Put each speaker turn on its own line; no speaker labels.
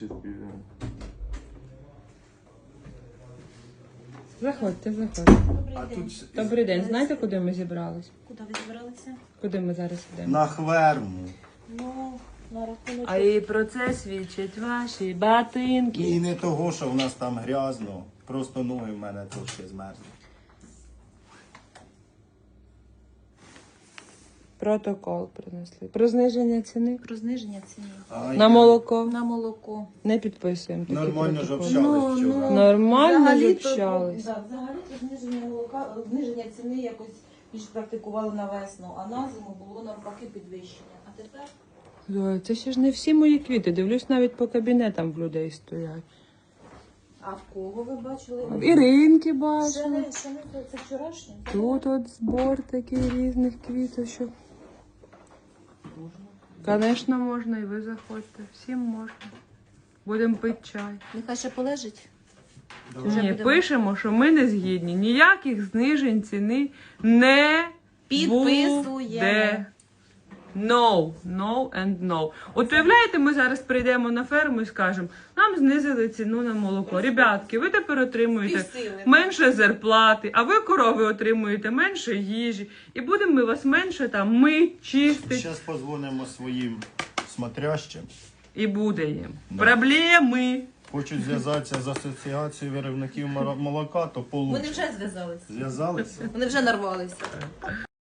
Заходьте, заходьте.
Добрий день.
Добрий день. Знаєте, куди ми зібрались?
Куди ви збиралися?
Куди ми зараз йдемо?
На хверму.
Ну, на рахунок.
А і про це свідчать ваші ботинки.
І не того, що в нас там грязно. Просто ноги в мене трошки змерзли.
Протокол принесли. Про зниження ціни
Про зниження ціни.
на молоко.
На молоко.
Не підписуємо такі
Нормально ж
протоколи.
общались вчора.
Нормально
Взагалі-то,
общались.
да, взагалі-то зниження молока, зниження ціни якось більш практикували на весну, а на зиму було навпаки підвищення. А тепер
Зоя, це ще ж не всі мої квіти. Дивлюсь, навіть по кабінетам в людей стоять.
а в кого ви бачили?
Іринки
Ще
бачила.
не це вчорашнє.
Тут от збор такий різних квіточок. Звісно, можна, і ви заходьте. Всім можна. Будемо пити чай.
Нехай ще полежить.
Ні, пишемо, що ми не згідні. Ніяких знижень ціни не
Підписуємо.
буде. No, no and no. От уявляєте, ми зараз прийдемо на ферму і скажемо, нам знизили ціну на молоко. Ребятки, ви тепер отримуєте
Півсили.
менше зарплати, а ви, корови, отримуєте менше їжі. І будемо ми вас менше там чистити.
Зараз позвонимо своїм смотрящим.
І буде їм.
Да.
Проблеми.
Хочуть зв'язатися з асоціацією виробників молока, то
Вони
получше.
вже зв'язалися.
Зв'язалися?
Вони вже нарвалися.